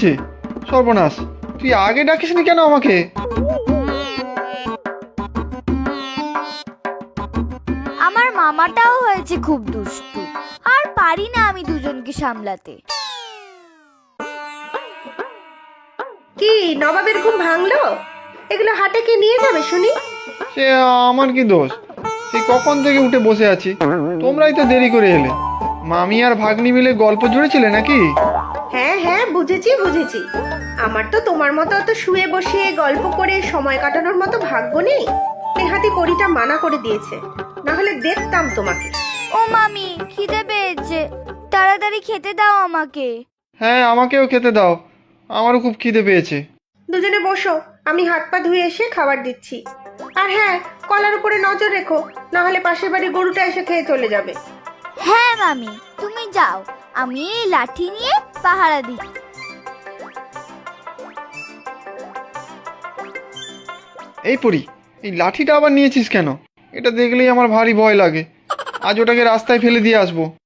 হচ্ছে? সর্বনাশ, তুই আগে ডাকিসনি কেন আমাকে? আমার মামাটাও হয়েছে খুব দুষ্টু, আর পারি না আমি দুজনকে সামলাতে। কি নবাবের ঘুম ভাঙলো? এগুলো হাটে কে নিয়ে যাবে শুনি? সে আমার কি দোষ? সেই কখন থেকে উঠে বসে আছি, তোমরাই তো দেরি করে এলে। মামি আর ভাগ্নি মিলে গল্প জুড়েছিলে নাকি? হ্যাঁ হ্যাঁ, বুঝেছি বুঝেছি। আমার তো তোমার মতো অত শুয়ে বসে গল্প করে সময় কাটানোর মতো ভাগ্য নেই। নেহাতি পরিটা মানা করে দিয়েছে, না হলে দেখতাম তোমাকে। ও মামি, খিদে পেয়েছে, তাড়াতাড়ি খেতে দাও আমাকে। হ্যাঁ, আমাকেও খেতে দাও, আমারও খুব খিদে পেয়েছে। দুজনে বসো, আমি হাত পা ধুয়ে এসে খাবার দিচ্ছি। আর হ্যাঁ, কলার উপরে নজর রেখো, না হলে পাশের বাড়ি গরুটা এসে খেয়ে চলে যাবে। হ্যাঁ মামি, তুমি যাও, আমি এই লাঠি নিয়ে পাহারা দিই। এই পরি, এই লাঠিটা আবার নিয়েছিস কেন? এটা দেখলেই আমার ভারী ভয় লাগে। আজ ওটাকে রাস্তায় ফেলে দিয়ে আসবো।